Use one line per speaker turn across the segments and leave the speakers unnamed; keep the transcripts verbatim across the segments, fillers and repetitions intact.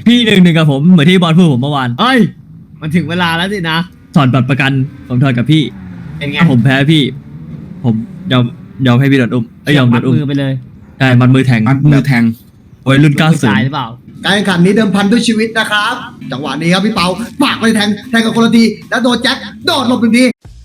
พี่หนึ่งหนึ่งกับผมเหมือนที่บอลพูดผมเมื่อวาน
เอ้ยมันถึงเวลาแล้วสินะ
ถอนบัตรประกันผมถอนกับพี่
เป็นไง
ถ้าผมแพ้พี่ ผมยอมยอมให้พี่โดนอุ้มไอ้ยยอมโด
มัด
นอุ้ม
มือไปเลย
ใช่มันมือแทง
มัดมือแทง
โอ้ยรุ่นเก้า
ผู้
สิบ
ชายหรือเปล่า
การแข่งขันนี้เดิมพันด้วยชีวิตนะครับ จังหวะนี้ครับพี่เปาปากไปแทงแทงกับคนละทีแล้วโดนแจ็คโดดหลบหนึ่งที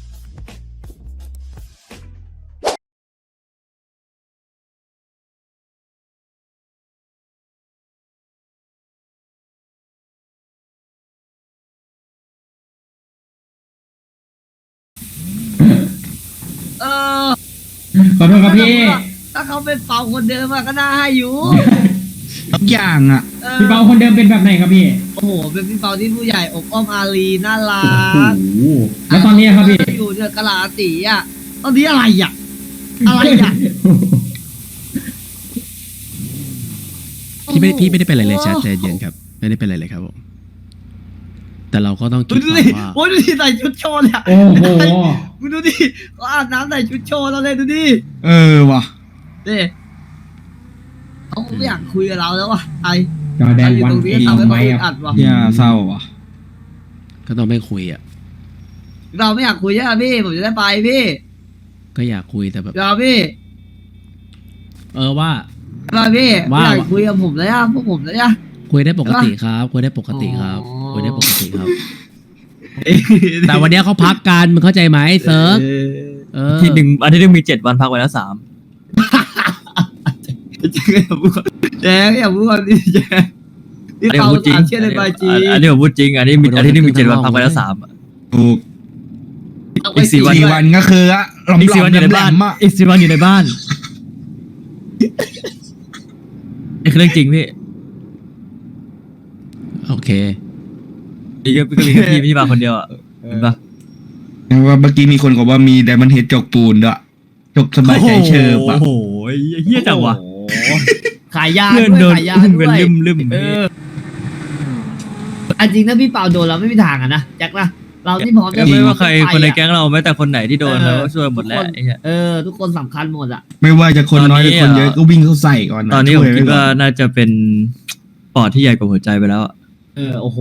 เออ
ขอโทษครับพี่
ถ้าเขาเป็นเป่าคนเดิมอะก็น่าให้อยู่
ทุกอย่างอ่ะ
ออ
พี่เปาคนเดิมเป็นแบบไหนครับพี่
โอ้โหเป็นพี่เปาที่ผู้ใหญ่อบอ้อมอารีน่ารัก
แล้วตอนนี้ครับพี่
อยู่เนี่ยกะลาตีอ่ะตอนนี้อะไรอ่ะอะไรอ่ะ
พี่ไม่พี่ไม่ได้เป็นอะไรเลยแชทใจเย็นครับไม่ได้เป็นอะไรเลยครับผมแต่เราก็ต้องคิด
ดู
ก่อ
ดิ
นว่า
โอ้ยดูดิใส่ชุดโชว์เนี่ย
โอ้โห
มึงดูดิเขาอาบน้ำใส่ชุดโชว์เราเลยดูดิ
เออว่ะ
นี่เขาไม่อยากคุยกับเราแล้วว่ะไอ
จอแดน
อยู่
วัน
ตรงนี้
อี
ทำให้
ไหม
เขาอึด
อ่ะ
อัดว่ะ
อย่าเศร้าว่ะ
ก็ต้องไม่คุยอ่ะ
เราไม่อยากคุยใช่ไหมพี่ผมจะได้ไปพี่
ก็อยากคุยแต่แบบ
เราพี่
เออว่า
เราพี่ไม่
ว่า
อยากคุยกับผมเลยอ่ะพวกผมเลยอ่ะ
คุยได้ปกติครับคุยได้ปกติครับ
อ๋อ
คุยได้ปกติครับ แต่วันเนี้ยเขาพักกันมึงเข้าใจไหมเซิร์ฟเออ
ที่หนึ่งอันที่หนึ่งมีเจ็ดวันพักไว้แล้วสาม
แจ๊คอย่าพูดแจ๊คอย่าพูดดิแจ๊คนี่
อันนี้ผ
เขา
มพูดจริง
ถามเชื่อในใบจี
อันนี้ผมพูดจริงอันนี้มีอันที่หนึ่งมีเจ็ดวันพักไว้แล้วสาม
ถูก
เอาไป
อีกสี่
สี่
วัน
สี่วันก็คืออะหลอม
อีก
หล
สี่
อ
วัน
ม
อยู่ใน
แหล
บ้าน
มๆอะ
อีกสี่วันอยู่ในบ้านนี่คือเรื่องจริงพี่
โอเค
นี่ก็ก็มีแค่พี่พี่มาคนเดียวอ่ะเห็นปะ
ว่าเมื่อกี้มีคนบอกว่ามีไดมอนด์เฮดจกปูนด้วยจกสบายใจเชิบอะ
โอ้โหเฮี้ยจังวะ
โอ้โหขายยา
เพื่อน
ด้
โด
วย
น
ขายยา
อุ้ม
ด้
กัน
วย
ลืมลืม
เอออันจริงถ้าพี่เปาโดนเราไม่มีทางอะนะแจ็คนะเราที่พร้อมจะ
ไม่ว่าใคร
ไปอะ
คนในแก๊งเราแม้แต่คนไหนที่โดน
เอ
เรา
อ
ก็ช่วยหมดแล้ว
ทุกคน
ไอ้เหี้ย
เออ ทุกคนสำคัญหมดอะ
ไม่ว่าจะคนน้อยหรือคนเยอะ
ตอนนี้อะ
ก็วิ่งเข้าใส่ก่อนนะ
ตอนนี้ผม
ช่ย
คิด
ไก่
ว่าน น่าจะเป็นปอดที่ใหญ่กว่าหัวใจไปแล้วอะ
เออโอ้โห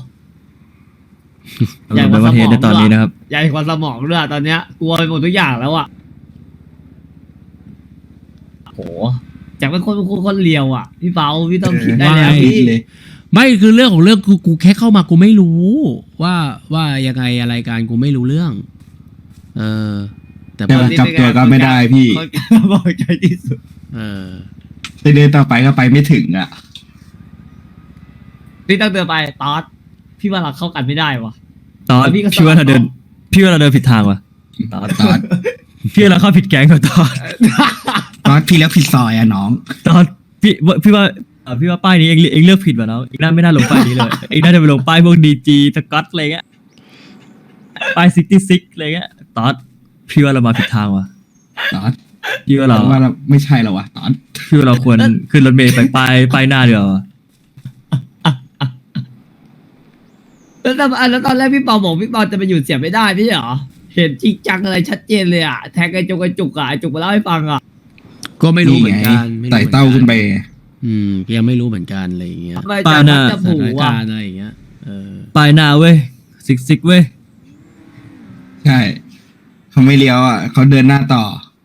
สำหรับในประเทศในตอนนี้นะครับ
ใหญ่กว่าสมองด้วยอะตอนเนี้ยกลัวไปหมดทุกอย่างแล้วอะโอ้โหแจ็คเป็นคนเป็นคนคนเลียวอะพี่เปาพี่ต้องคิดได้
ว่า
แล้ว
ไง
พี่
เลย
ไม่คือเรื่องของเรื่องกูกูแค่เข้ามากูไม่รู้ ว่าว่ายังไงอะไรการกูไม่รู้เรื่อง เออ แต่
แต่
ว่า
ว่าจับตัวก็ไม่ได้พี่
คนกล้าบอกใจที่สุด
เออ
จะเดินต่อไปก็ไปไม่ถึงอ่ะ
พี่ต้องเดินไปตอดพี่ว่าเราเข้ากันไม่ได้วะ
ตอน
แล้วพี่ก็
พี่ว่าเราเดิน
สลับ
พี่ว่าเราเดินผิดทางว่ะตอน
ตอน
พี่ว่าเราเข้าผิดแก๊งกับตอน
ตอนพี่แล้วผิดซอยอะน้อง
ตอนพี่ว่าพี่ว่าเอ่อพี่ว่าป้ายนี้เองเองเลือกผิดว่ะน้องเองน่าไม่น่าลงป้ายนี้เลยเองน่าจะไปลงป้ายพวกดีจีสกอตอะไรเงี้ยป้ายซิกตี้ซิกอะไรเงี้ยตอนพี่ว่าเรามาผิดทางว่ะ
ตอน
พี่ว่าเรา
ว่าเราไม่ใช่แล้ววะตอน
พี่ว่าเราควรขึ้นรถเมล์ไปป้ายป้ายหน้าเดียวาว่ะ
แล้วตอนแล้วตอนแรกพี่เปาบอกพี่เปาจะไปอยู่เสียไม่ได้พี่เหรอเห็นจริงจังอะไรชัดเจนเลยอะแทงกระจุกกระจุกอะไอ้จุกมาเล่าให้ฟังอะ
ก็ไม่รู้เหมือนกัน
ไง
ม่รู้
ไต่เต้าขึ้นไป
อืมยังไม่รู้เหมือนกันอะไรอย่างเงี้ย
ทำไมแจ็คมักจะ
ส
ผู
ถาน
อะ
การณ์อะไรอย่างเงี้ยเออ
ป้ายหน้าเว้ยซิกซิกเว้ย
ใช่เขาไม่เลี้ยวอ่ะเขาเดินหน้าต่อ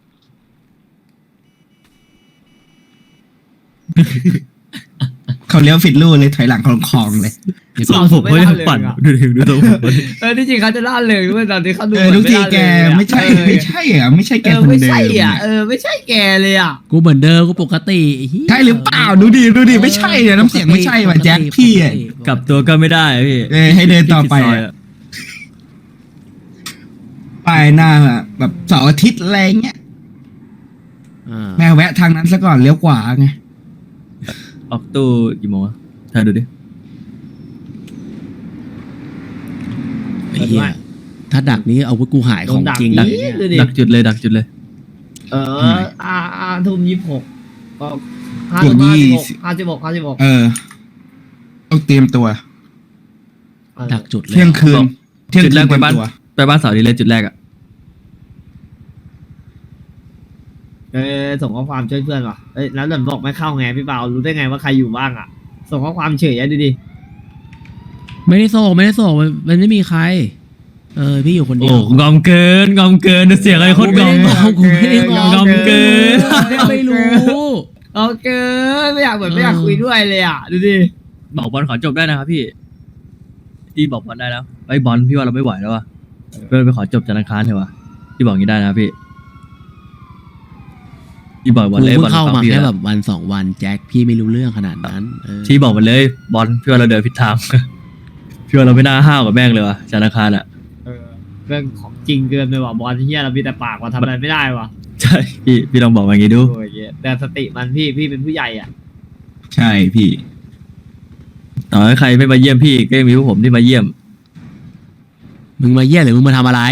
เขาเลี้ยวผิดลู่เลยถอยหลังคลองคลองเลย
ทรงผมเขายังปั่นดูดิดูทรงผมเขาดิ
เออที่จริงเขาจะล่าเริงด้วยตอนที่เขาดู
เออทุกทีแก
เหอน
ไม่ใช่
ล่าเริงอะ
ไม่ใช่อ่ะไม่ใช่แก
เออ
คน
ไม่
เดิม
ใช่อ่ะ
อะ
เออไม่ใช่แกเลยอ่ะ
กูเหมือนเดิมกูปกติไอ้เหี้ย
ใช่หรือเปล่าดูดิดูดิไม่ใช่อ่ะน้ำเสียงไม่ใช่ว่ะแจ็คพี่อ่ะ
กลับตัวก็ไม่ได้พี่
เออให้เดินต่อไป
พี่ผิดซย
อ่ะป้ายหน้าอะแบบเสาร์อาทิตย์อะไรเงี้ย
อ่า
แม่แวะทางนั้นซะก่อนเลี้ยวขวาไง
ออกตู้กี่โมงอะถ่ายดูดิ
ไอ้เหี้ยถ้าดักนี้เอาวุธกูหายของจริง
โดนดัก
เลยเนี่ย
ดูดิ
ดักจุดเลยดักจุดเลย
เอออาอาทุ่มยี่สิบหกก็ห้า
บว
ทุ่
ก
มห้า
ยี่
สิบหก
สิบ
ห้าสิบหกห้าสิบหก
เออ ต้องเตรียมตัว
ดักจุดเลย
เที่ยงคืน เที่ยง
จุด
คื
แร
น
ก
เต
ไป
รียม
บ้าน
ตัว
ไปบ้านเสาดีเลยจุดแรกอ่ะ
เออส่งข้อความช่วยเพื่อนว่ะเอ้ยแล้วหล่อนบอกไม่เข้าไงพี่เปารู้ได้ไงว่าใครอยู่บ้างอ่ะส่งข้อความเฉยอะดูดิ
ไม่ได้ส่งไม่ได้ส่งมันมันไม่มีใคร เออพี่อยู่คนเดี
โอ้
ยว
งอมเกินงอมเกินเสียงอะไรโคตรงอม
กูไม่ได้งอม
งอมเกิน
ไม่รู้
เอาเกินไม่อยากเหมือนไม่อยากคุยด้วยเลยอ่ะดูดิ
บอกบอลขอจบได้นะครับพี่พี่บอกบอลได้แล้วไอ้บอลพี่ว่าเราไม่ไหวแล้วว่ะเพื่อนไปขอจบจันทร์อังคารเถอะวะพี่บอกอย่างนี้ได้นะครับพี่พี่บอกบอล
กู
เลย
เพิ่
บอล
งเข้ามา
พี่
แค่
แล้ว
แบบวันสองวันแจ็คพี่ไม่รู้เรื่องขนาดนั้นเออ
ที่บอกมันเลยบอลพี่ว่าเราเดินผิดทาง พี่ว่าเราไม่น่าห้าวกับแม่งเลยวะจันทร์อังคารอ่ะ
เออเรื่องของจริงเกินไปว่ะบอลที่เฮียเรามีแต่ปากว่าทำอะไรไม่ได้ว่ะ
ใช่พี่พี่ลองบอกมาอย่างนี้ดู
โอ้ยเหี้ยแต่สติมันพี่พี่เป็นผู้ใหญ่อ่ะ
ใช่พี่
ต่อให้ใครไม่มาเยี่ยมพี่ก็ยังมีพวกผมที่มาเยี่ยม
มึงมาเยี่ยหรือมึงมาทำอะไร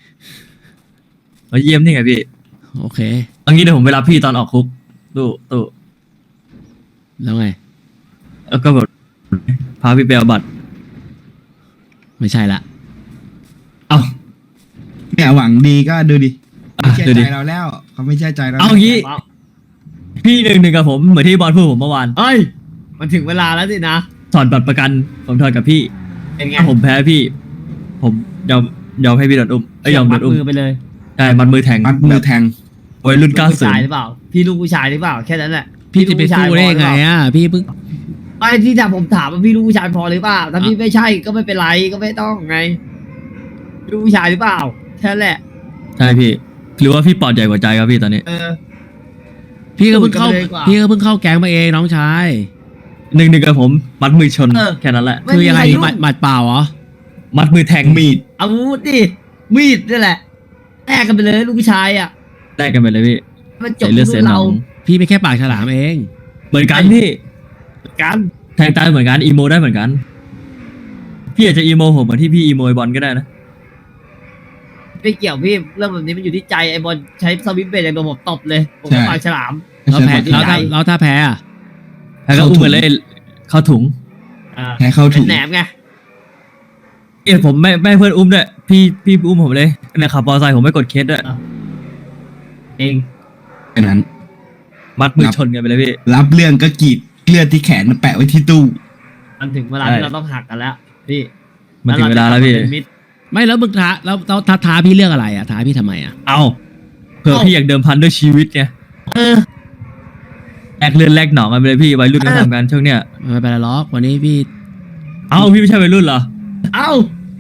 มาเยี่ยมนี่ไงพี่
โอเค
เอางี้เดี๋ยวผมไปรับพี่ตอนออกคุกตู้ตู้
แล้วไง
แล้วก็แบบพาพี่ไปเอาบัตร
ไม่ใช่ละ
เอ้า
เนี่ยหวังดีก็ดูดิ
อ่ะ
ไม่เชื่อ
ดูดิ
ใจเราแล้วเขาไม่เชื่อใจเรา
เอางี้ พี่หนึ่งหนึ่งกับผมเหมือนที่บอลพูดผมเมื่อวาน
เอ้ยมันถึงเวลาแล้วสินะ
ถอนบัตรประกันผมถอนกับพี่
เป็นไง
ถ้าผมแพ้พี่ ผมยอมยอมให้พี่โดนอุ้มไอ้ยยอมโด
มัด
นอุ้ม
มือไปเลย
ใช่มันมือแทง
มัดมือแทง
วัยรุ่น
ลู
เก้าก
ผู้
สิบ
ชายหรือเปล่า พี่ลูกผู้ชายหรือเปล่าแค่นั้นแหละ
พี่จะไปสู้ได้ไงอ่ะพี่เพิ่ง
ไม่ที่ถามผมถามว่าพี่ลูกผู้ชายพอหรือเปล่าถ้าพี่ไม่ใช่ก็ไม่เป็นไรก็ไม่ต้องไงลูกผู้ชายหรือเปล่าแค่นั้นแหละ
ใช่พี่หรือว่าพี่ปอดใหญ่กว่าใจครับพี่ตอนนี้
เออ
พี่ก็เพิ่งเข้า
สู้กันไปเลยดีกว่า
พี่ก็เพิ่งเข้าแก๊งมาเองน้องชาย
หนึ่งหนึ่งกับผมมัดมือชน
เออ
แค่นั้นแหละ
ไม่
คือ
มี
ยังไง
ใครยุ่ง
หมัดหมัดเปล่าเหรอ
มัดมือแทง
มีด
อาวุธดิมีดนี่แหละแลกกันไปเลยลูกผู้ชายอ่ะ
ได้กันไปเลยพี่
มันจบ
ใส่เลือด
ที่
เสีย
ลูก
หน
เรา
อง
พี่ไม่แค่ปากฉลามเอง
เหมือนกันพี่
กัน
แทงตายเหมือนกันอีโมได้เหมือนกัน พี่อาจจะอีโมผมเหมือนที่พี่อีโมไอ้บอลก็ได้นะ
ไม่เกี่ยวพี่เรื่องแบบนี้มันอยู่ที่ใจไอ้บอลใช้สวิตช์เบรกอย่างโดนผมตบเลยผมก็ปากฉลาม
แล้วแพ้
ใช่
แล้วถ้าแล้วถ้าแพ้อะ
แล้วก็อุ้มไปเลยเข้าถุง
อ่า
แพ้เข้า
เป็
ถุ
น
ง
แหนมไง
เอ้ยผมไม่ไม่ให้เพื่อนอุ้มด้วยพี่พี่อุ้มผมเลยเนี่ยขับมอเตอร์ไซค์ผมไม่กดเคสด้วย
เอง
แค่นั้น
มัดมือชนกันไปเลยพี่
รับเรื่องก็กรีดเลือดที่แขนแปะไว้ที่ตู้
มันถึงเวลา
ใช่
ที่เราต้องหักกันแล้วพี่
มันถึงเวลาแล้วพี่
รจะกบมเป็นมิตร
ไม่แล้วมึงท้าแล้วแล้วท้าท้าพี่เรื่องอะไรอ่ะท้าพี่ทำไมอ่ะ
เอาเผื่อ
เอ้า
พี่อยากเดิมพันด้วยชีวิตไง
เออ
แลกเลือดแลกหนองกันไปเลยพี่วัยรุ่นก็ทำกันช่วงเนี้ย
ไม่เป็นไรหรอกวันนี้พี่
เอ้าพี่ไม่ใช่วัยรุ่นเหรอ
เอ้า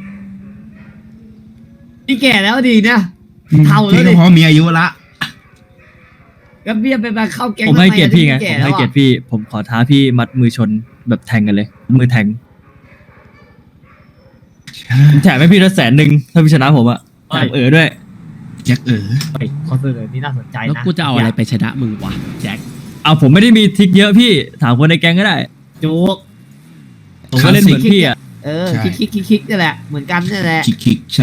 พี่แก่แล้วดีเนี่ย เท่าแล้ว
พี่
ดิ
ก็เพราะมีอายุละ
ก็เบี้ยไปมาเข้าแก๊ง
ผมให้เกียรติพี่ไง
ทำ
ผม
แล้
ให้
วอะ
เกียรติพี่ ผมขอท้าพี่มัดมือชนแบบแทงกันเลย มือแทงผมแถมให้พี่ละแสนหนึ่งถ้าพี่ชนะผมอะแถมเออด้วย
แจ็คเออ
เฮ้ยข้อเสนอนี่น่าสนใจ
แล้ว
นะ
กูจะเอาอะไรไปชนะมึงวะแจ็ค
เอาผมไม่ได้มีทริกเยอะพี่ถามคนในแก๊งก็ได้
จุก
ผมก็เล่นเหมือนพี่อะ
เออ
ใช่
คิกคิกคิกคิกนี่แหละเหมือนกันนี่แหละ
คิกคิกใช่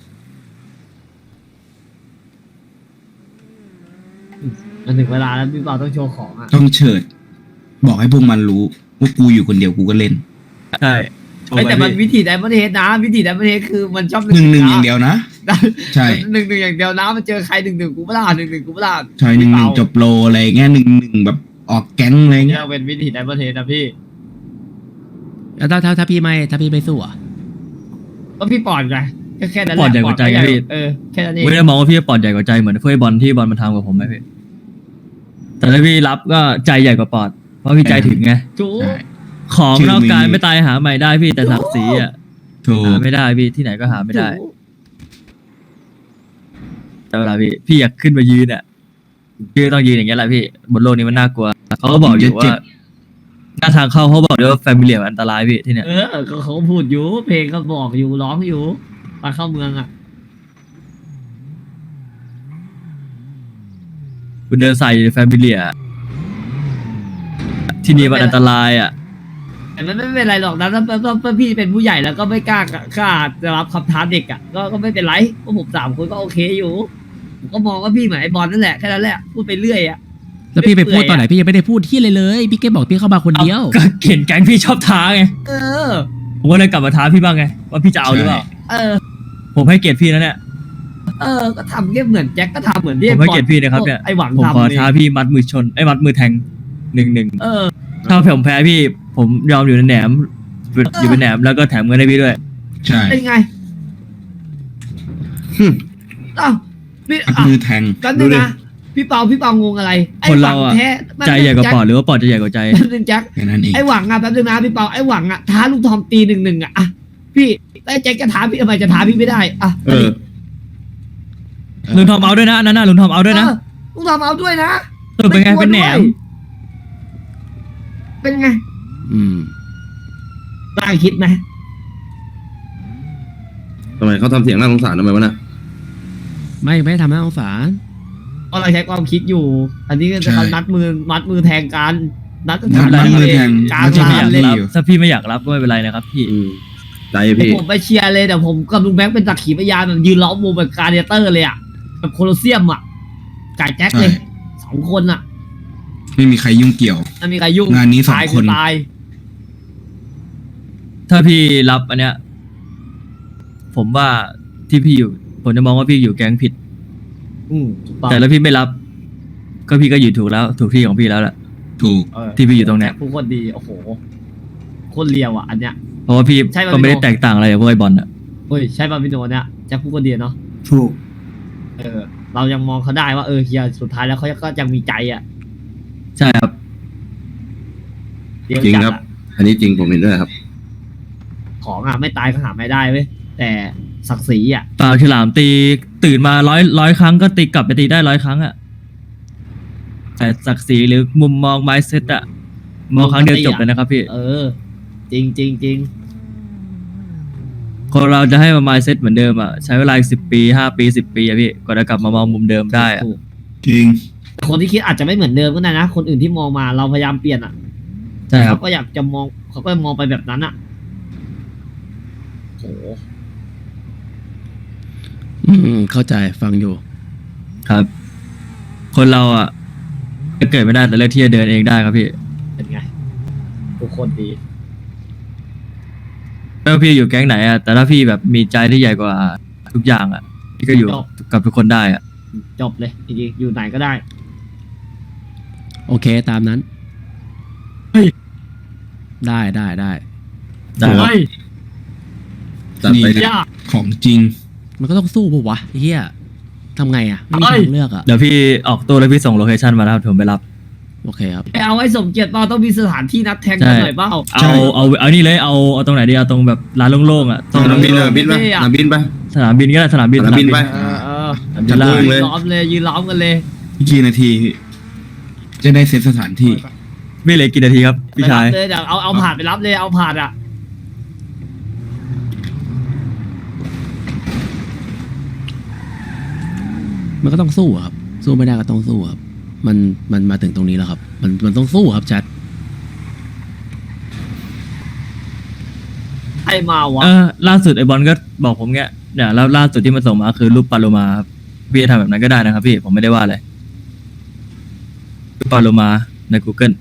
มันถึงเวลาแล้วพี่เปาต้องโชว์ของอ่ะ
ต้องเฉิด บอกให้พวกมันรู้ว่ากูอยู่คนเดียวกูก็เล่น
ใช่
เฮ้ยแต่มันวิธีไดมอนเฮดนะวิธีไดมอนเฮดคือมันชอบ
หนึ่งหนึ่งอย่างเดียวนะ ใช่
หนึ่งหนึ่งอย่างเดียวนะมันเจอใครหนึ่งหนึ่งกูไม่ล่าหนึ่งหนึ่งกูไม่ล่า
ใช่หนึ่งหนึ่งจบโลอะไรเงี้ยหนึ่งหนึ่งแบบออกแก๊งอะไร
เนี่
เงี้
ย
ย
เป็นวิธีไดมอนเฮดนะพี่
แล้วถ้าถ้าถ้าพี่ไม่ถ้าพี่ไม่สู้อ่ะ
ก็พี่ปอดไงแค่แค่นั้นแห
ปอ
ละ
ดใหญ่กว่าใจไงพี่
เออแค่นั้นเอง
ไม่ได้มองว่าพี่ปอดใหญ่กว่าใจเหมือนเพื่อนบอลที่บอลมันทำกับผมไหมพี่แต่ถ้าพี่รับก็ใจใหญ่กว่าปอด เพราะพี่ใจถึงไง
จู
ใช่
ของ
ชื่อน
อกกาย
มี
ไม่ตายหาใหม่ได้พี่แต่ศักดิ์ศรีอะ
ถูก
หาไม่ได้พี่ที่ไหนก็หาไม่ได้
จู
แต่เวลาพี่พี่อยากขึ้นมายืนอ่ะพี่ก็ต้องยืนอย่างเงี้ยแหละพี่บนโลกนี้มันน่ากลัวเขาก็บอกอยู่ว่าหน้าทางเข้าเขาบอกด้วยว่าแฟมิเลียอันตรายพี่ที่เนี่ย
เออก็เขาพูดอยู่เพลงก็บอกอยู่ร้องอยู่ตอนเข้าเมืองอ่ะ
คุณเดินใส่แฟมิเลียที่นี่มันอันตรายอ่ะ
แต่มันไม่เป็นไรหรอกนะถ้าถ้าถ้าถ้าพี่เป็นผู้ใหญ่แล้วก็ไม่กล้ากล้าจะรับคำท้าเด็กอ่ะก็ก็ไม่เป็นไรพวกผมสามคนก็โอเคอยู่ผมก็มองว่าพี่เหมือนไอ้บอลนั่นแหละแค่นั้นแหละพูดไปเรื่อยอ่ะ
แล้วพี่ไปพูด
เปื่อย
ตอนไหนพี่ยังไม่ได้พูดที่เลยเลย พี่แค่บอกพี่เข้ามาคนเดียว
ก็เขียนแก๊งพี่ชอบท้าไง
เออ
ผมก็เลยกลับมาท้าพี่บ้างไงว่าพี่จะเอาหรือเปล่า
เออ
ผมให้เกียรติพี่นะเนี่ย
เออ ก็ทำแค่เหมือนแจ็คก็ทำเหมือนที่
ผมให้เกียรติพี่นะครับเนี่ย
ไอ้หวัง
ผมขอ
ทำ
ท้า
นี่
พี่มัดมือชนไอ้ยมัดมือแทงหนึ่งหนึ่ง
เออ
ถ้าผมแพ้พี่ ผผมยอมอยู่ในแหนมอยู่เป็นแหนมแล้วก็แถมเงินให้พี่ด้วย
ใช่
เป็นไง
หึ
อ้าวพี่
อัด
อ่ะ
มือแทง
แป๊บนึ
ดู
ง
ดิ
นะพี่เปาพี่เปางงอะไรไอ้
คน
หวั
เรา
ง
อะ
แท้แป๊บนึง
ใจใหญ่กว่า
แจ็ค
ปอดหรือว่าปอดจะใหญ่กว่าใจ
แป๊บนึงแจ็ค
แค่นั้นเอง
ไอ้หวังอะแป๊บนึงนะพี่เปาไอ้หวังอะท้าลุงทอมตีหนึ่งหนึ่งอะอะพี่ไอ้แจ็คจะท้าพี่ทำไมจะท้าพี่ไม่ได้อะ
เออ
ลุงทอมเอาด้วยนะอันนั้นน่ะลุงทอมเอาด้วยนะ
เออลุงทอมเอาด้วยนะ
เออเป็นไง
ม่กลัว
เป็นแหนม
ด้วยเป็นไง
อืม
น่าคิดไหม
ทำไมเขาทำเสียงน่าสงสารทำไมวะน่ะ
ไม่ไม่ได้ทำหน้าสงสาร
ก็เราใช้ความคิดอยู่ อันนี้ก็จะนัดมือมัดมือแทงกันนัด
นัดมัดมือแทง
กลาง
แล้วจะ
ร้า
ไม่
น
อยาก
เลย
อยู่
ถ้าพี่ไม่อยากรับก็ไม่เป็นไรนะครับพี่
อืมใจพี่
ผมไปเชียร์เลยแต่ผมกับลุงแบงค์เป็นสักขีพยานแบบยืนล้อมวงแบบการเดเตอร์เลยอะแบบโคลอเซียมอะจ่ายแจ็คเลยสองคนอะ
ไม่มีใครยุ่งเกี่ยว
ไม่มีใครยุ่ง
งานนี้สอง
ตาย
คน
ตาย
ถ้าพี่รับอันเนี้ย ผมว่าที่พี่อยู่ ผมจะมองว่าพี่อยู่แก๊งผิด
อืมถูกต้อง
แต่แล้วพี่ไม่รับ ก็พี่ก็อยู่ถูกแล้ว ถูกที่ของพี่แล้วแหละ
ถูก
เออ
ที่พี่อยู่ตรงเนี้ย
ผู้คนดีโอ้โหโคนเลียวอ่ะอันเนี้ย
เพราะว่าพี่
ใช่ป่ะ
ก็ไม่ได้
พี่โน
แตกต่างอะไรกับพวกไอ้บอลอ่ะ
เฮ้ยใช่ป่ะพี่โนเนี่ยแจ็คผู้คนดีเนาะ
ถูก
เออ เรายังมองเขาได้ว่าเออเฮียสุดท้ายแล้วเขาก็ยังมีใจอ่ะ
ใช่ครับ
เดียว
จริง
จัด
ครับ
อะ
อันนี้จริงผมเห็นด้วยครับ
ของอ่ะไม่ตายก็หาไม่ได้เว้ยแต่ศักดิ์ศรีอ่ะ
ปากฉลามตีตื่นมาร้อยร้อยครั้งก็ตีกลับไปตีได้ร้อยครั้งอ่ะ แต่ศักดิ์ศรีหรือมุมมองไมซ์เซตอ่ะ มองครั้งเดียวจบเลยนะครับพี่
เออ จริงจริงจริง
คนเราจะให้มาไมซ์เซตเหมือนเดิมอ่ะ ใช้เวลาสิบปีห้าปีสิบปีอะพี่กว่าจะกลับมามองมุมเดิมได้อ่ะ
ถูก
จริง
แต่คนที่คิดอาจจะไม่เหมือนเดิมก็ได้นะ คนอื่นที่มองมาเราพยายามเปลี่ยนอ่ะ
ใช่ครับ
เขาก็อยากจะมองเขาก็มองไปแบบนั้นอ่ะโห
อืมเข้าใจฟังอยู่
ครับ คนเราอ่ะจะเกิดไม่ได้แต่เลือกที่จะเดินเองได้ครับพี่
เป็นไงทุกคนดี
ไม่ว่าพี่อยู่แก๊งไหนอ่ะแต่ถ้าพี่แบบมีใจที่ใหญ่กว่าทุกอย่างอ่ะพี่ก็อยู่กับทุกคนได้อ่ะ
จบเลยจริงๆอยู่ไหนก็ได้
โอเคตามนั้น ได้ได้ได้
ได้ครับ
จัดไป
นี่
ดิ
ยาก
ของจริง
มันก็ต้องสู้ปะวะไอ้เฮียทำไงอ่ะ ไม่มีทางเลือกอ่ะ
เดี๋ยวพี่ออกตัวแล้วพี่ส่งโลเคชั่นมาแล้วผมไปรับ
โอเคครับ
ไปเอาไอ้สมเกียรติเปล่าต้องมีสถานที่นัดแทงกันหน่อยเปล่า
เอาเอาเอานี่เลยเอาเอาตรงไหนดีเอาตรงแบบร้านโล่งๆอ่ะตรง
สนามบินสนามบินไป
เท่อะ
สนามบินไป
สนามบินก็ได้สนามบิน
สนามบินไป
เออเออ
สนามบิ
จั
น
ด
ล่า
โล่งเลย
ล้อมเลยยืนล้อมกันเลย
กี่นาทีพี่จะได้เซตสถานที่
ไม่เหลือกี่นาทีครับพี่ชาย
ไปรับเลยเดี๋ยวเอาเอาผ่านไปรับเลยเอาผ่านอ่ะ
มันก็ต้องสู้อะครับ สู้ไม่ได้ก็ต้องสู้ครับ มันมันมาถึงตรงนี้แล้วครับ มันมันต้องสู้ครับแชท
ใครมาวะ
เออล่าสุดไอ้บอลก็บอกผมเงี้ยเนี่ยแล้วล่าสุดที่มันส่งมาคือรูปปลาโลมาครับพี่จะทำแบบนั้นก็ได้นะครับพี่ผมไม่ได้ว่าอะไรรูปปลาโลมาใน Google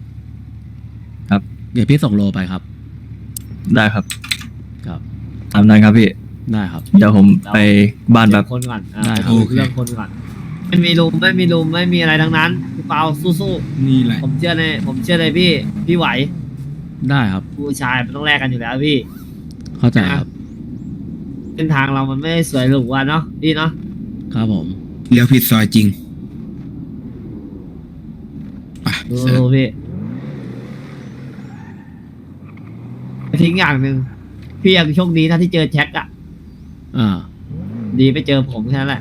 เดี๋ยวพี่ส่งโลไปครับ
ได้ครับ
ครับ
ตามนั้นครับพี่
ได้ครับ
เดี๋ยวผมไปบ้านแบบ
คนก่อนอ่ะ
ได้ครับ
โอเค
เรื่องคนก่อนไม่มีลุมไม่มีลุมไม่มีอะไรทั้งนั้นพี่เปาสู้
นี่แหละ
ๆผมเชื่อในผมเชื่อในพี่พี่ไหว
ได้ครับ
ผู้ชายมันต้องแลกกันอยู่แล้วพี่
เข้าใจครับ
เส้นทางเรามันไม่ได้สวยหรูอ่ะเนาะพี่เนาะ
ครับผม
เลี้ยวผิดซอยจริงไป
ดู
เสิร์ฟ
พี่ทิ้งอย่างหนึ่งพี่ยังโชคดีถ้าที่เจอแจ็คอะ
อ่า
ดีไปเจอผมแค่นั้นแหละ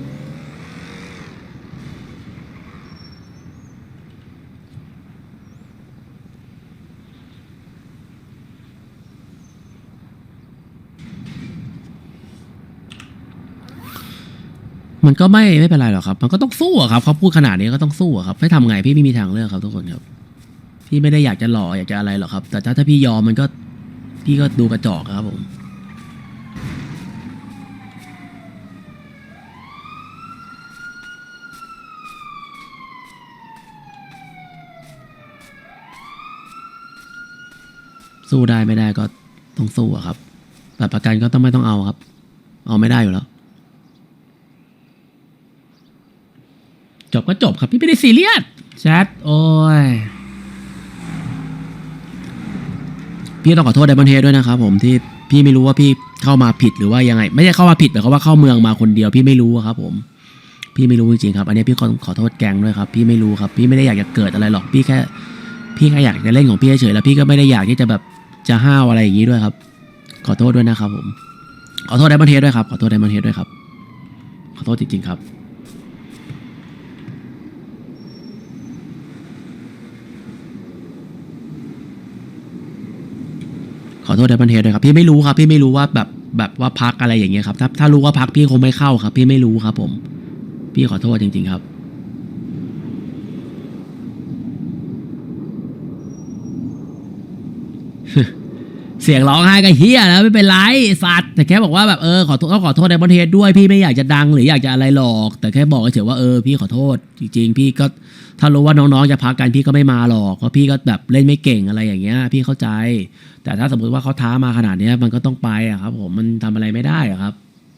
มันก็ไม่ไม่เป็นไรหรอกครับ มันก็ต้องสู้อะครับเขาพูดขนาดนี้ก็ต้องสู้อะครับไม่ทำไงพี่ไม่มีทางเลือกครับทุกคนครับ พี่ไม่ได้อยากจะหล่ออยากจะอะไรหรอกครับ แต่ถ้าถ้าพี่ยอมมันก็พี่ก็ดูกระจอกครับผม สู้ได้ไม่ได้ก็ต้องสู้อะครับแต่ประกันก็ต้องไม่ต้องเอาครับ เอาไม่ได้อยู่แล้ว จบก็จบครับ พี่ไม่ได้ซีเรียสแชทโอ้ยพี่ต้องขอโทษไดมอนเฮดด้วยนะครับผมที่พี่ไม่รู้ว่าพี่เข้ามาผิดหรือว่ายังไง ไม่ใช่เข้ามาผิดแต่เขามว่าเข้าเมืองมาคนเดียวพี่ไม่รู้อะครับผมพี่ไม่รู้จริงๆครับอันนี้พี่ขอขอโทษแกงด้วยครับพี่ไม่รู้ครับพี่ไม่ได้อยากจะเกิดอะไรหรอกพี่แค่พี่แค่อยากจะเล่นของพี่เฉยๆแล้วพี่ก็ไม่ได้อยากที่จะแบบจะห้าวอะไรอย่างนี้ด้วยครับขอโทษด้วยนะครับผมขอโทษไดมอนเฮดด้วยครับขอโทษไดมอนเฮดด้วยครับขอโทษจริงๆครับขอโทษไดมอนเฮดด้วยครับพี่ไม่รู้ครับพี่ไม่รู้ว่าแบบแบบว่าพักอะไรอย่างเงี้ยครับถ้าถ้ารู้ว่าพักพี่คงไม่เข้าครับพี่ไม่รู้ครับผมพี่ขอโทษจริงๆครับเสียงร้องไห้ก็เฮียแล้วไม่เป็นไรสัตว์แต่แค่บอกว่าแบบเออขอโทษก็ขอโทษไดมอนเฮดด้วยพี่ไม่อยากจะดังหรืออยากจะอะไรหรอกแต่แค่บอกเฉยๆว่าเออพี่ขอโทษจริงๆพี่ก็ถ้ารู้ว่าน้องๆจะพักกันพี่ก็ไม่มาหรอกเพราะพี่ก็แบบเล่นไม่เก่งอะไรอย่างเงี้ยพี่เข้าใจแต่ถ้าสมมติว่าเขาท้ามาขนาดเนี้ยมันก็ต้องไปอะครับผมมันทำอะไรไม่ได้อะครับ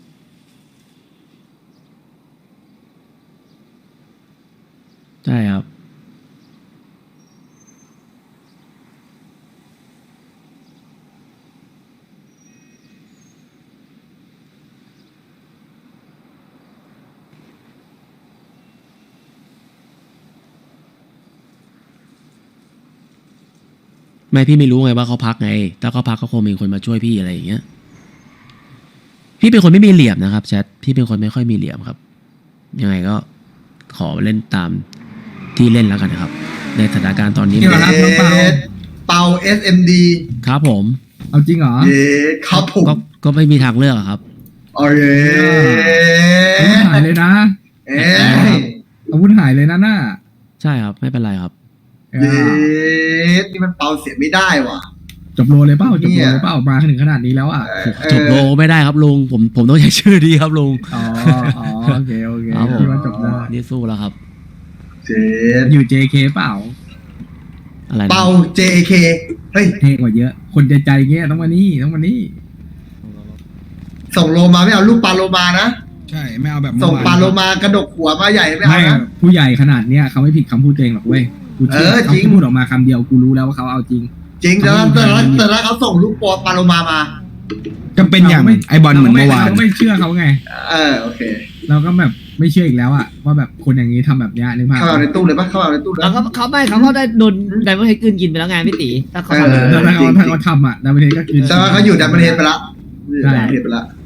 ใช่ครับไม่พี่ไม่รู้ไงว่าเขาพักไงถ้าเขาพักก็คงมีคนมาช่วยพี่อะไรอย่างเงี้ยพี่เป็นคนไม่มีเหลี่ยมนะครับแชทพี่เป็นคนไม่ค่อยมีเหลี่ยมครับยังไงก็ขอเล่นตามที่เล่นแล้วกันนะครับในสถานการณ์ตอนนี้
เยสเปา เอส เอ็ม ดี
ครับผม
เอาจริงเหรอ
เยสครับผม
ก็ก็ไม่มีทางเลือกอะครับ
โอเค
อาวุธหายเลยนะ
เอ้ย
อาวุธหายเลยนะน่า
ใช่ครับไม่เป็นไรครับ
เอ
เย
อ
สนี่มันเปาเสียไม่ได้ว่ะ
จบโลเลยเปล่าจบ
เนี่
โล
ย
เลยเปล่ามาถึงขนาดนี้แล้วอ่ะ
จบโลไม่ได้ครับลุงผมผมต้องใช้ชื่อดีครับลุง
อ๋ออ๋อโอเคโอเค
ครับผม
ที่ว่าจบได้
นี่สู้แล้วครับ
เจส
อยู่ เจ เค เปล่า
อะไรนะ
เปา เจ เค เฮ้ย
เท่กว่าเยอะ คนใจใจเงี้ยต้องมานี่ต้องมานี่
ส่งโลมาไม่เอาลูกปลาโลมานะ
ใช่ไม่เอาแบบ
ส่งปลาโลมากระดกหัวมาใหญ่ไม่เอา
ไม่
นะ
ผู้ใหญ่ขนาดเนี้ยเขาไม่ผิดคำพูดตัวเองหรอกเว้ยกูเชื่อ
เออ
เขา
จริง
พูดออกมาคำเดียวกูรู้แล้วว่าเขาเอาจริง
จริงแต่ละแต่ละแต่ละเขาส่งลูกปอปลาโลมามา
ก็เป็นอย่างไอบอลเหมือนเมื่อวาน
เราก็ไม่เชื่อเขาไง
เออโอเค
เราก็แบบไม่เชื่ออีกแล้วอะว่าแบบคนอย่างนี้ทำแบบเนี้ยนึกภาพ
เข้าเอาในตู้เลยปะเข้าเอาในตู้เลย
แล้วเขาเขาไม่เขาเขาได้โดนไดมอนด์เฮดกลืนกินไปแล้วไงพี่ตีถ้าเขาทำ
เออ
แล้วถ้าเขาถ้าเขาทำอะดาวเทนก็คือ
แต่ว่าเขาอยู่ดันประเทศไปละอยู่
ใช่
ดันประเทศไปละ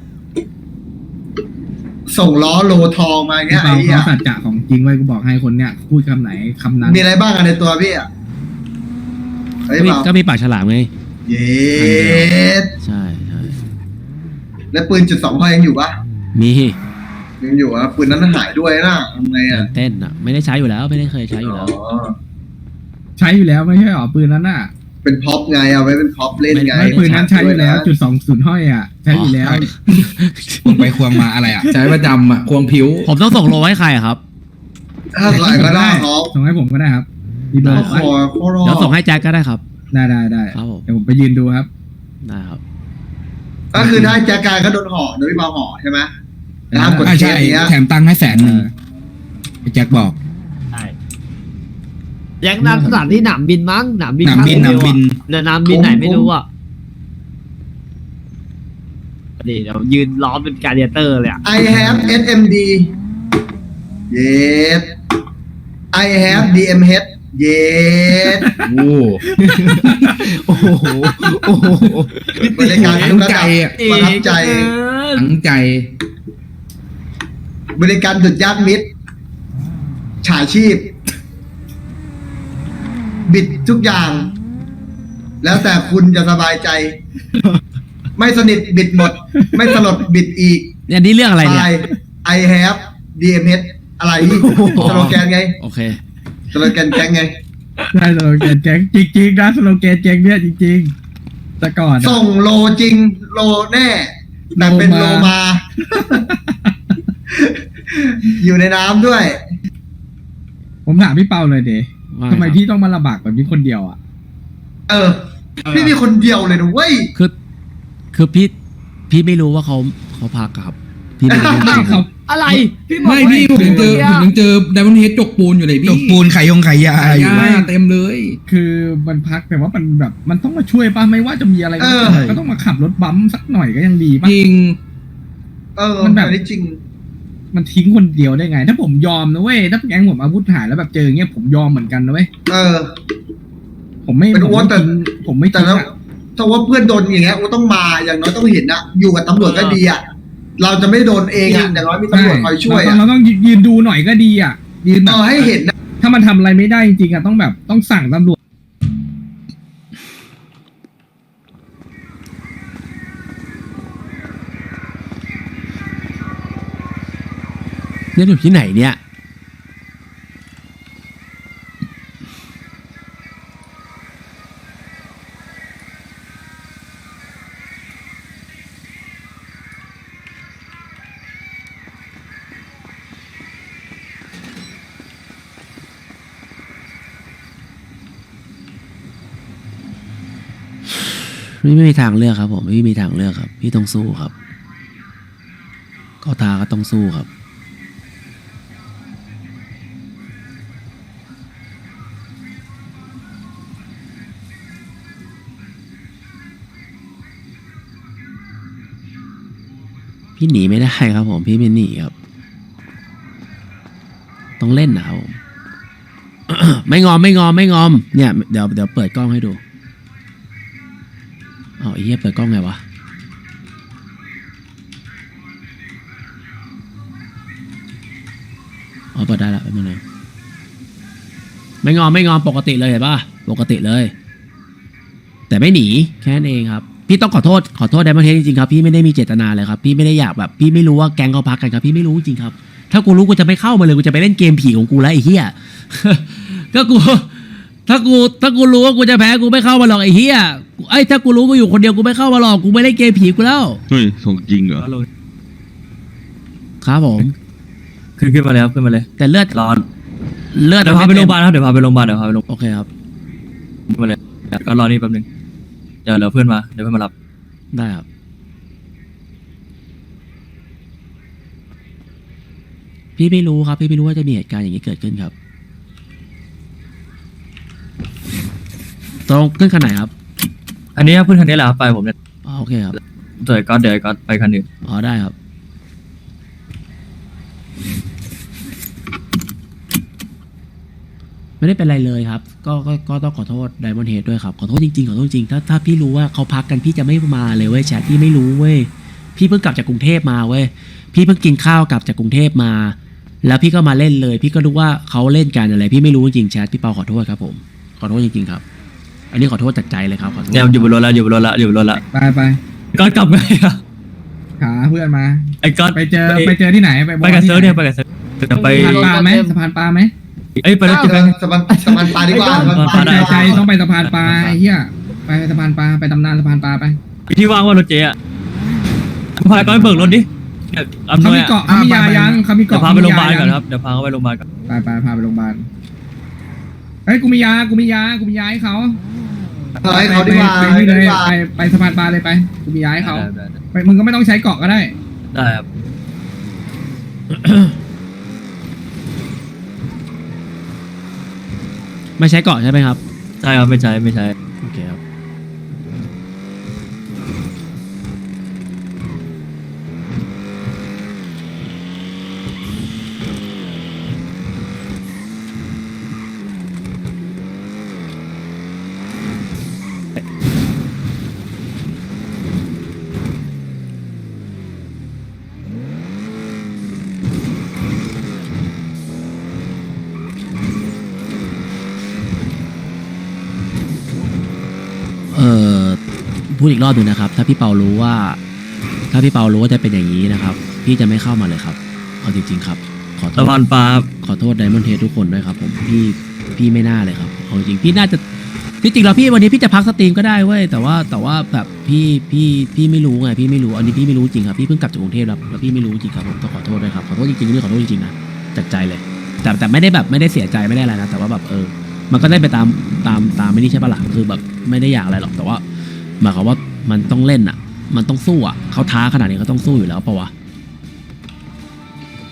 ส่งล้อโลทองมาอย่างเงี้
พี่
ยไอ้
เปา
เหี้ย
เขาสัจจะของจริงไว้กูบอกให้คนเนี้ยพูดคำไหนคำนั้น
มีอะไรบ้างอะในตัวพี่อ่ะไอ้
ก็มี
เปล่า
ก็มีปากฉลามไง
เย็ด
ใช่ใช่
แล้วปืนจุดสองห้อยยังอยู่ปะ
มี
ยังอยู่อ่ะปืนนั้นหายด้วยนะทำไงอ่ะ
เต้นอ่ะไม่ได้ใช้อยู่แล้วไม่ได้เคยใช้อยู่แล้ว
อ๋อ
ใช้อยู่แล้วไม่ใช่หรอปืนนั้นน่ะ
เป็นพ็อปไงเอาไว้เป็นพ็อปเล่นไง
ไม่ปืนนั้นใช้อยู่แล้วจุดสองศูนย์ห้อยอะใช้อยู่แล้ว
ควงไปควงมาอะไรอ่ะ ใช้ประจำอ่ะควงผิว
ผมต้องส่งโลให้ใครอะครับ
ถ้าใส่ก็ได้ครับ
ส่งให้ผมก็ได้ครับดีเบอ
โอ้
ร์
โหโคตรรอ
เดี๋ยวส่งให้แจ็คก็ได้ครับ
ได้ได้ได้
ครับผม
เดี๋ยวผมไปยืนดูครับ
ได้ครับ
ก็คือถ้าแจ็คกายก็โดนห่อโดยพี่เปาห่อใช่ไหมห้ามกด
อ่า
เค
ใช่
สเนี้ย
แถมตังค์ให้แสนหนึ่งไอ้แจ็คบอก
แยังนั้นสถานที่หนามบินมั้งหนามบิน
หนามบินห
ข้
นาง ม
เดียว
บิน
อะเดี๋ยวหนามบินไหนไม่รู้อ่ะนี่เดี๋ยวยืนล้อมเป็นการเดียเตอร์เลยอ่ะ
I have เอส เอ็ม ดี yes I have ดี เอ็ม เอช yes
โอ้โอ้โหโอ้โห
บริการทุกระดับ
ตั้งใจอะ
ประทับใจ
ตั้งใจ
บริการดุดยากมิตรฉาชีพ บิดทุกอย่าง แล้วแต่คุณจะสบายใจ ไม่สนิทบิดหมด ไม่สลดบิดอีก
เนี่ยนี่เรื่องอะไรเนี่ย
I have ดี เอ็ม เอช อะไรสโลแกนไง
โอเค
สโลแกนแก๊งไง
ได้สโลแกนแจ็คจริงๆนะสโลแกนแจ็คเนี่ยจริงๆแต่ก่อนอะ
ส่งโลจริง โลแน่แต่เป็นโล
โลมา
มา อยู่ในน้ำด้วย
ผมถามพี่เปาเลยเด๋
ว่า
ทำไม
ครับ
พี่ต้องมาลำบากแบบนี้คนเดียวอ่ะ
เออ พี่มีคนเดียวเลยนะเว้ย
คือคือพี่พี่ไม่รู้ว่าเขาเขาพักอะครับ พี่ไม่รู้จ
ไม่
ริงๆ
เขา
อะไรพี่บอก
ไม่พี่ผมยังเจอผมยังเจอไดมอนด์เฮดจกปูนอยู่เลย
จ
พี่
กปูนไขยงไขยา
ขาย
อยู่
ยาเต็มเลย
คือมันพักแต่ว่ามันแบบมันต้องมาช่วยป่ะไม่ว่าจะมีอะไรก็
เออ
ตามก็ต้องมาขับรถบัมป์สักหน่อยก็ยังดีป่ะ
จริง
เออ
มันแบบ
อันนี้จริง
มันทิ้งคนเดียวได้ไง ถ้าผมยอมนะเว้ยถ้าแก๊งผมอาวุธหายแล้วแบบเจออย่างเงี้ยผมยอมเหมือนกันนะเว้ย
เออ
ผมไม่
เป็น
ผม
อ้วน
ไม่
แต่
ทิ้งผมไม่
แต่
ทิ้ง
แล้ว
อะ
ถ้าว่าเพื่อนโดนอย่างเงี้ยก็ต้องมาอย่างน้อยต้องเห็นอะอยู่กับตำรวจก็ดีอะเราจะไม่โดนเองอะอย่างน้อยมีตำรวจคอยช่วย
เรา
อะ
ต้องเราต้องยืนดูหน่อยก็ดีอ่ะยืนแบ
เอบ อให้เห็นนะ
ถ้ามันทำอะไรไม่ได้จริงๆอ่ะต้องแบบต้องสั่งตำรวจ
เนี่ยอยู่ที่ไหนเนี่ยไม่ไม่มีทางเลือกครับผมไม่มีทางเลือกครับ พี่ต้องสู้ครับก็ตาก็ต้องสู้ครับ พี่หนีไม่ได้ครับผมพี่ไม่หนีครับ ต้องเล่นนะครับผม ไม่งอมไม่งอมไม่งอมเนี่ยเดี๋ยวเดี๋ยวเปิดกล้องให้ดูอ๋อไอ้เหี้ยเปิดกล้องไงวะอ๋อเปิดได้ละเป็นยังไงไม่งอมไม่งอมปกติเลยเห็นป่ะปกติเลย แต่ไม่หนีแค่นั้นเองครับพี่ต้องขอโทษขอโทษไดมอนด์เฮดจริงๆครับพี่ไม่ได้มีเจตนาเลยครับพี่ไม่ได้อยากแบบพี่ไม่รู้ว่าแก๊งเขาพักกันครับพี่ไม่รู้จริงครับถ้ากูรู้กูจะไม่เข้ามาเลยกูจะไปเล่นเกมผีของกูแล้วไอ้เหี้ย ก็กูถ้ากูถ้ากูรู้ว่ากูจะแพ้กูไม่เข้ามาหรอกไอ้เหี้ยไอ้ถ้ากูรู้กูอยู่คนเดียวกูไม่เข้ามาหรอกกูไม่เล่นเกมผีกูแล้ว
เฮ้ยส่งจริงเหรอ
ครับผม
ขึ้นขึ้นมาเลยครับขึ้นมาเลย
แต่เลือด
ร้อน
เลือด
เดี๋ยวพาไปโรงพยาบาลครับเดี๋ยวพาไปโรงพยาบาลเดี๋ยวพาไปโรงพยาบาล
โอเคครับ
ขึ้นมาเลยก็รอนี่แป๊บนึงเดี๋ยวเดี๋ยวเพื่อนมาเดี๋ยวเพื่อนมารับ
ได้ครับพี่ไม่รู้ครับพี่ไม่รู้ว่าจะมีเหตุการณ์อย่างนี้เกิดขึ้นครับตรงขึ้นคันไหนครับ
อันนี้เพื่อนคันนี้แหละครับไปผมเนี่ย
อ๋อโอเคครับ
เดี๋ยวก็เดี๋ยวก็ไปคันอื่น
อ๋อได้ครับ ไม่ได้เป็นไรเลยครับ ก็ก็ก็ต้องขอโทษไดมอนด์เฮดด้วยครับขอโทษจริงๆขอโทษจริงๆถ้าถ้าพี่รู้ว่าเขาพักกันพี่จะไม่มาเลยเว้ยแชทพี่ไม่รู้เว้ยพี่เพิ่งกลับจากกรุงเทพมาเว้ยพี่เพิ่งกินข้าวกลับจากกรุงเทพมา แล้วพี่ก็มาเล่นเลย พี่ก็รู้ว่าเขาเล่นกันอะไร พี่ไม่รู้จริงๆแชทพี่เปาขอโทษครับผมขอโทษจริงๆครับ อันนี้ขอโทษจากใจเลยครับขอโทษ
เนี่ยอยู่บนรถแล้วอยู่บนรถแล้วอยู่บนรถแล้ว
ไปไป
ก็กลับไงอะ
หาเพื่อนมา
ไอ้ก็
ไปเจอไปเจอที่ไหนไป
ไปกับเซิร์ฟเนี่ยไปกับเซิร์ฟเดี๋ยวไป
สะพานปลาไหมสะพานปลาไหม
เอ้ยไปรถจุด
เออสะพานสะพานปลาดีกว่าสะพานปลา
ใจ
ดีก
ใจ
ว่า
ต้องไปสะพานปลาไอ้เหี้ยไปสะพานปลาไปตำนานสะพานปลาไป
ที่ว่างว่ารถเจ๊อะพาก็ไปเบิกรถดิเนี่ยอำน
เขา
วย
มี
อะ
เกาะเขามียายังเขามี
เดี๋ยว
เกาะ
พาไปโรงพยาบาล
มี
ก่อน
ยั
ครับเดี๋ยวพาเขาไปโรงพยาบาลก่อน
ไปไปพาไปโรงพยาบาลเฮ้ยกูมียากูมียากูมียาให้เขา
เออให้เขาดีกว่า
ไป
ให้
นี่
เขา
เล
ดี
ย
กว่า
ไปไปสะพานปลาเลยไปกูมียาให้เขา
ได้ได้
ไปมึงก็ไม่ต้องใช้เกาะก็ได้
ได้ครับ
ไม่ใช้เกาะใช่ไหมครับ
ใช่ครับไม่ใช่ไม่ใช่
โอเคครับเออพูดอีกรอบหนึ่งนะครับ ถ้าพี่เปารู้ว่า ถ้าพี่เปารู้ว่าจะเป็นอย่างนี้นะครับ พี่จะไม่เข้ามาเลยครับเอาจริงๆครับ ขอโท
สะ
ษ
พานปลา
ขอโทษไดมอนด์เฮดทุกคนด้วยครับผมพี่พี่ไม่น่าเลยครับเอาจริงพี่น่าจะที่จริงแล้วพี่วันนี้พี่จะพักสตรีมก็ได้เว้ยแต่ว่าแต่ว่าแบบพี่พี่พี่ไม่รู้ไงพี่ไม่รู้อันนี้พี่ไม่รู้จริงครับพี่เพิ่งกลับจากกรุงเทพแล้วแล้วพี่ไม่รู้จริงครับผมต้องขอโทษด้วยครับขอโทษจริงๆนี่ขอโทษจริงๆนะจากใจเลย แต่แต่ไม่ได้แบบไม่ได้เสียใจไม่ได้อะไรนะแต่ว่าแบบเออ มันก็ได้ไปตามตามตามไม่นี่ใช่ปะล่ะคือแบบไม่ได้อยากอะไรหรอกแต่ว่าหมายความว่ามันต้องเล่นอ่ะ มันต้องสู้อ่ะเขาท้าขนาดนี้เขาต้องสู้อยู่แล้วปะวะ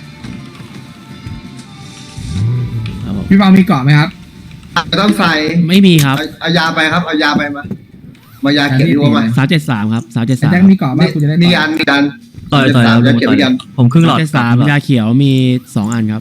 พี่เปามีเกาะไหมครับ
ต้องใส่
ไม่มีครับ
เอาเอายาไปครับเอายาไปมามายาเขียนดีกว่ามา
สามเจ็ดสามครับสามเจ็ด
ไอ้
สาม
แจ็คมีเกาะบ้างกูจะได้
มี
ต่อย
อันมีอัน
ต่อยต่อย
สาม
เอา
ยา
ผม
เขียน
ต่อย
มีอัน
ผมครึ่งหลอด
เจ็ดสามยาเขียวมีสองอันครับ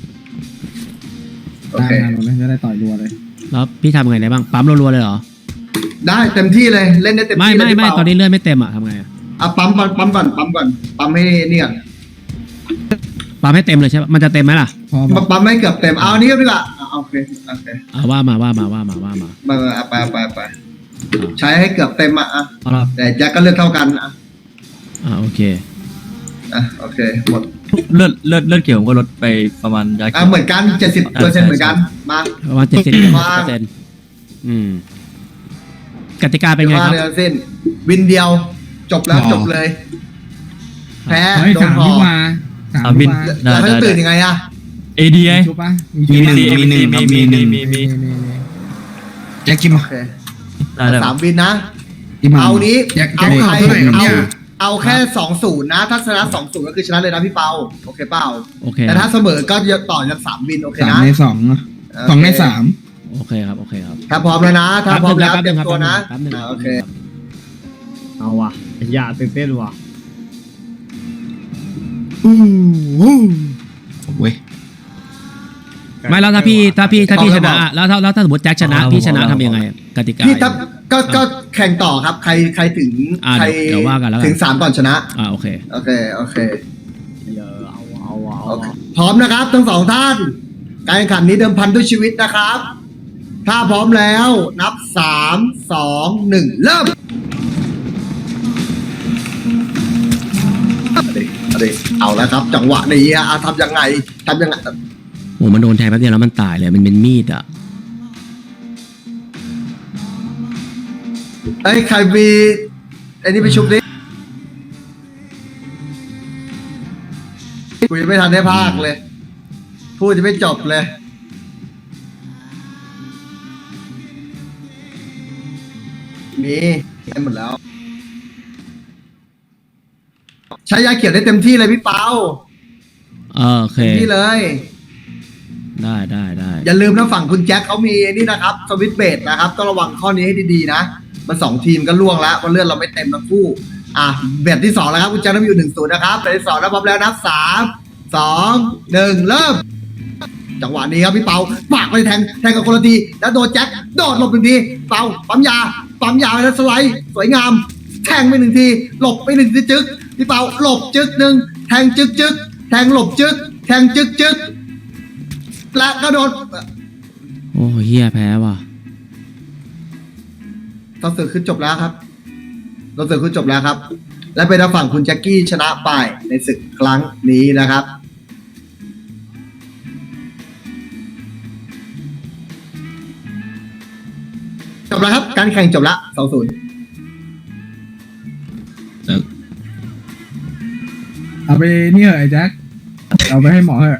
โอ
ได้
เค
มาเลยจะได้ต่อยรัวเลย
แล้วพี่ทำไงได้บ้างปั๊มรัวๆเลยเหรอ
ได้เต็มที่เลยเล่นได้เต็ม
ไม่
ที่เลย
ไม่
พี่
ไม่
เปา
ตอนนี้เลือดไม่เต็มอ่ะทำไงอะ
อ่ะปั๊มปั๊มปั๊มก่อนปั๊มก่อนปั๊มให้นี่ก่อน
ปั๊มให้เต็มเลยใช่ปะมันจะเต็มไหมล่ะ
พอ
ปั๊มปั๊มให้เกือบเต็มเอาอันนี้ดีกว่าอ่ะโอเคโอเค
เอาว่ามาว่ามาว่ามาว่ามา
มามาเอาไปเอาไปเอาไปใช้ให้เกือบเต็มอ่ะอ่ะ
เอาละ
แต่แจ็คก็เลือดเท่ากันอ่ะ
อ่าโอเค
อ่ะโอเคหมด
เลือดเลือดเลือดเขียวผมก็ลดไปประมาณยา
อ่ะ
เขียว
เหมือนกันเจ็ดสิบเปอร์เซ็นต์เหมือนกันมา
ประมาณเจ็ดสิบ
ว่า
เปอร์เซ็นต์อืมกติกาเป็นไงครับ
ว่าเรือเส้นวินเดียวจบแล้วจบเลย แพ้
เฮ้ย
โดน
สาม
พอ
วิวาสามวิวา
แล้วเขาจะตื่นยังไงอ่ะ
เอดีไง
ชุบปะ
มีหนึ่ง
มี
มีหนึ่งครับมีหนึ่ง
มีมี
แจ็คกิน
โอ
มา
เค
ได้ได้
สามวินนะ
ที่มา
เอานี้
แจ็ค
เอา
แจ็ค
ใคร
เท่าไหร่ครับ
เอา
เนี่ย
เอาแค่สองศูนย์นะ ถ้าชนะสองศูนย์ก็คือชนะเลยนะพี่เปาโอเคเปล่า
โอเค
แต่ถ้าเสมอก็จะต่อจากสามวินโอเค
สาม
นะ
ในสองนะสองในสาม
โอเคครับโอเคครับ
ถ้าพร้อมแล้วนะ ถ้าพร้อมแล้ว
แป๊บ
เต
นึ
รีย
ง
ม
ครับ
ตัวนะ
แป๊บนึง
อ่า
ครับ
โอเค
เอาว่ะอย่าตื่นเต้นว่ะ
เว้ย
ไม่แล้วถ้าพี่ถ้าพี่ถ้าพี่
เอา
ช
แล้ว
นะ
บอก
อะแล้วถ้าแล้วถ้าสมมติแจ็คชนะพี่ชนะทำยังไงกติกา
พี่ถ้าก็ก็แข่งต่อครับ ใครใครถึง
อ่า
ใคร
เดี๋ยวว่ากันแล้วกัน
ถึงสามก่อนชนะ
อ่าโอเค
โอเคโอเค
เยอะเอาเอาเอา
โอเคพร้อมนะครับทั้งสองท่าน การแข่งขันนี้เดิมพันด้วยชีวิตนะครับ ถ้าพร้อมแล้วนับสามสองหนึ่งเริ่มเอาดิเอาดิเอาแล้วครับ จังหวะนี้ฮะอ่ะทำยังไงทำยังไง
โอ้มันโดนแทงแป๊บเดียวแล้วมันตายเลยมันเป็นมีดอ่ะ
เอ้ยใครมีไอ้นี่ไปชุบดิกูยังไม่ทันได้พากเลย พูดจะไม่จบเลย มีได้หมดแล้ว ใช้ยาเขียวได้เต็มที่เลยพี่เปา
เออโอเค
เต็มที่เลย
ได้ได้ได้
อย่าลืมนะฝั่งคุณแจ็คเขามีนี่นะครับสวิตช์เบดนะครับต้องระวังข้อนี้ให้ดีๆนะมันสองทีมก็ล่วงแล้วเพราะเลือดเราไม่เต็มทั้งคู่ อ่ะเบดที่สองแล้วครับคุณแจ็คต้องอยู่หนึ่งศูนย์นะครับเบดที่สองนะพร้อมแล้วนับสามสองหนึ่งเริ่ม จังหวะนี้ครับพี่เปาปากไปแทงแทงกับคนละทีแล้วโดนแจ็คโดดหลบหนึ่งทีเปาปั๊มยาปั๊มยาไปแล้วสไลด์สวยงาม แทงไปหนึ่งทีหลบไปหนึ่งทีจึ๊กพี่เปาหลบจึ๊กหนึ่งแทงจึ๊กจึ๊กแทงหลบจึ๊กแทงจึ๊กจึ๊กและก็โดน
โอ้เฮียแพ้ว่ะ
ตอนเสือขึ้นจบแล้วครับตอนเสือขึ้นจบแล้วครับ และเป็นทางฝั่งคุณแจ็คกี้ชนะไปในศึกครั้งนี้นะครับ จบแล้วครับ การแข่งจบละสองศูนย์
เอาไปนี่เหอะไอ้แจ็คเอาไปให้หมอเหอะ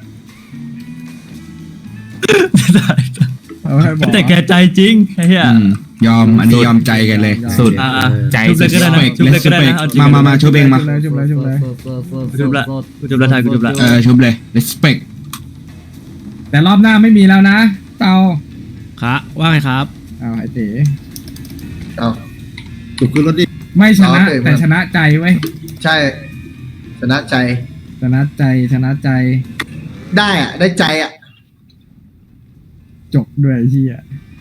เอาไปให้หมอ
แต่แกใจจริงไอ้เหี้ย
อืมยอมอันนี้ยอมใจกันเลย สุด
อ่า
ใจ
ชุบเลยก็ได้นะชุบเลยก็ได้นะเอาจริง
มามามาช่วยเบงมา
จุบเลยจุบเลยจุบเลย
กูจุบละกูจุบละทายกูจุบละ
เออชุบเลย respect
แต่รอบหน้าไม่มีแล้วนะเปา
ครับว่าไงครับ
เอาไอ้เต๋
เอา
ถูกขึ้นรถดิ
ไม่ชนะ
เอาเต๋
แต่ชนะใจไว้ย
ใช่ ชนะใจ
ชนะใจชนะใจ
ได้อะได้ใจอะ
จบด้วยไอ้เฮีย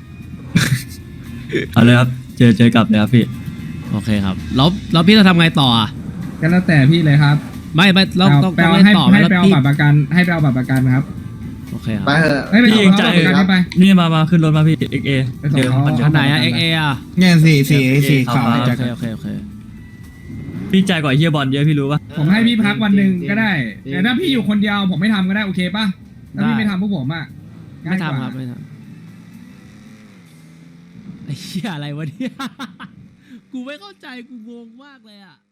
เอาเลยครับเจอเจอกลับเลยครับพี่
โอเคครับแล้วแล้วพี่จะทำไงต่ออ่ะ
ก็แล้วแต่พี่เลยครับ
ไม่ไม่เราต้อง
ไป
ต้อง
เอา
เล่น
ให้
ต่อไหม
ให้
แล้ว
ไปเอา
พี่
บัตรประกันให้ไปเอาบัตรประกันครับ
โอเคครับ
ไปเถอะ
ให้ไป
พี่
ส่
เอง งใจ
เขาบัตรประกันนี่ไป
นี่มามาขึ้นรถมาพี่เอ็กเอ
ไปส่ง
เดี๋ยว
เขา
มันจะ
อันไหนอ่ะเอ็กเออ่ะ
เนี่ยสี่สี่สี่ขาว
เอา
แจ็
โอ
ค
เคโอเคโอเค
พี่ใจกว่าไอ้เฮียบอลเยอะพี่รู้ปะ
ผมให้พี่พักวันหนึ่งก็ได้แต่ถ้าพี่อยู่คนเดียวผมไม่ทำก็ได้โอเคป่ะถ้าพี่ไม่ทำพวกผมอ่ะง่า
ไม่
ยกว่า
ทำครับไม่ทำไอ้เหี้ยอะไรวะเนี่ย กูไม่เข้าใจกูงงมากเลยอ่ะ